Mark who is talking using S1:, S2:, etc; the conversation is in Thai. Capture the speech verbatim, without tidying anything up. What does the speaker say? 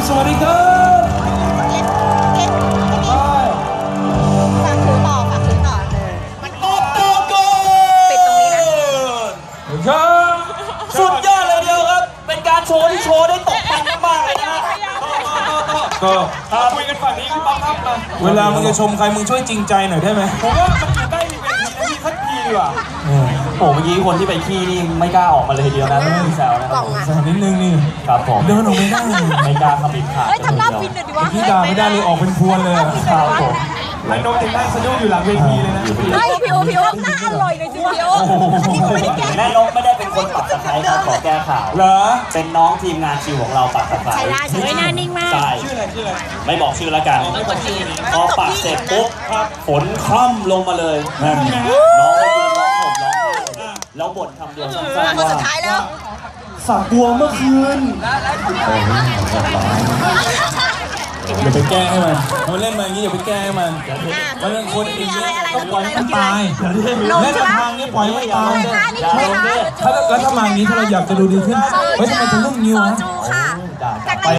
S1: สวัสดีครับฝากถือต่อฝากถือต่อเลยมันโกโกโกปิดตรงนี้นะครับสุดยอดเลยเดียวครับเป็นการโชว์ที่โชว์ได้ตกแต่งมากเลยนะก็คุยกันฝั่งนี้พี่ป๊อปครับเวลามึงจะชมใครมึงช่วยจริงใจหน่อยได้ไหมผมว่ามันอยู่ใกล้เวทีนะพี่คัดทีดีกว่าโอ้เมื่อกี้คนที่ไปขี้นี่ไม่กล้าออกมาเลยทีเดียวนะไม่มีแซวนะครับแซวนิดนึงนี่ครับผมเดินออกไม่ได้ไม่กล้าขับบิดขาดทำหน้าฟินเลยดิวะพี่ด่าไม่ได้เลยออกเป็นพวนเลยครับผมไอ้นกถึงนั่งสะดุ้งอยู่หลังเวทีเลยนะไอ้ผิวผิวหน้าอร่อยเลยจริงๆแม่นกไม่ได้เป็นคนปักตะไคร้ครับขอแก้ข่าวเหรอเป็นน้องทีมงานคิวของเราปักตะไคร้ใช่ได้ใช่หน้านิ่งมากใช่ชื่ออะไรชื่ออะไรไม่บอกชื่อแล้วกันพอปักเสร็จปุ๊บฝนคล่ำลงมาเลยน้องก็ยืนร้องห่มร้องไห้แล้วบ่นคำเดียวสั้นๆว่าสุดท้ายแล้วฝักบัวเมื่อคืนอย่าไปแก้ให้มันมันเล่นมาอย่างนี้อย่าไปแก้ให้มันมันเรื่องคนอีกเยอะต้องปล่อยให้มันตายเล่นทางนี้ปล่อยให้มันตายถ้าแล้วถ้ามาอย่างนี้ถ้าเราอยากจะดูดีขึ้นเฮ้ยทำไมถึงต้องนิ้วฮะ